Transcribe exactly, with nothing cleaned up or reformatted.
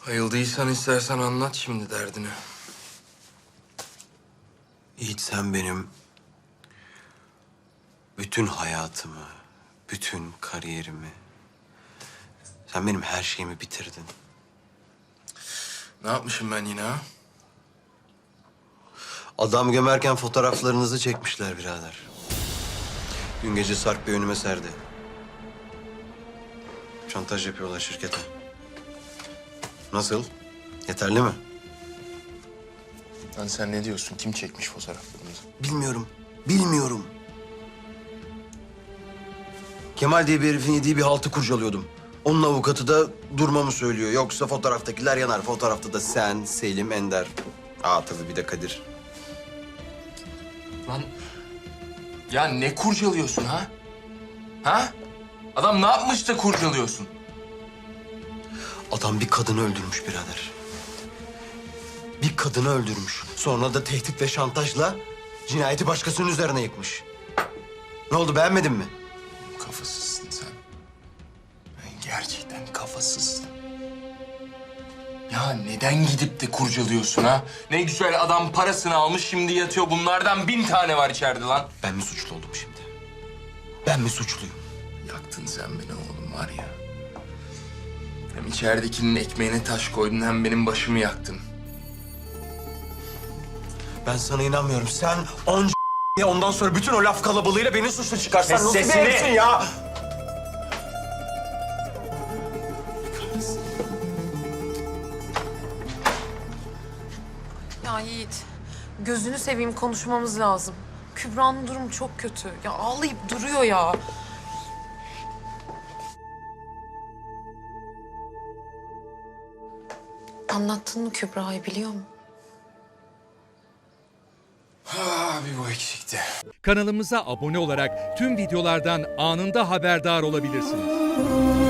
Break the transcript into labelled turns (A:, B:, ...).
A: Ayıldıysan istersen anlat şimdi derdini.
B: Yiğit, sen benim bütün hayatımı, bütün kariyerimi, sen benim her şeyimi bitirdin.
A: Ne yapmışım ben yine ha?
B: Adam gömerken fotoğraflarınızı çekmişler birader. Dün gece Sarp Bey önüme serdi. Şantaj yapıyorlar şirkete. Nasıl? Yeterli mi?
A: Lan sen ne diyorsun? Kim çekmiş fotoğraflarımızı?
B: Bilmiyorum. Bilmiyorum. Kemal diye bir herifin yediği bir haltı kurcalıyordum. Onun avukatı da durmamı söylüyor. Yoksa fotoğraftakiler yanar. Fotoğrafta da sen, Selim, Ender. Aa tabii bir de Kadir.
A: Lan ya ne kurcalıyorsun ha? Ha? Adam ne yapmış da kurcalıyorsun?
B: Adam bir kadını öldürmüş birader. Bir kadını öldürmüş. Sonra da tehdit ve şantajla cinayeti başkasının üzerine yıkmış. Ne oldu, beğenmedin mi?
A: Kafasızsın sen. Ben gerçekten kafasızsın. Ya neden gidip de kurcalıyorsun ha? Ne güzel adam parasını almış şimdi yatıyor. Bunlardan bin tane var içeride lan.
B: Ben mi suçlu oldum şimdi? Ben mi suçluyum?
A: Yaktın sen beni oğlum var ya. Hem içeridekinin ekmeğine taş koydun hem benim başımı yaktın.
B: Ben sana inanmıyorum. Sen onca ya ondan sonra bütün o laf kalabalığıyla beni suçlu çıkarsan
A: Kes
B: nasıl bir
A: sesini!
B: herifsin ya?
C: Ya Yiğit, gözünü seveyim konuşmamız lazım. Kübra'nın durumu çok kötü. Ya ağlayıp duruyor ya. Anlattın mı Kübra'yı biliyor mu?
A: Ha, bir bu eksikti.
D: Kanalımıza abone olarak tüm videolardan anında haberdar olabilirsiniz.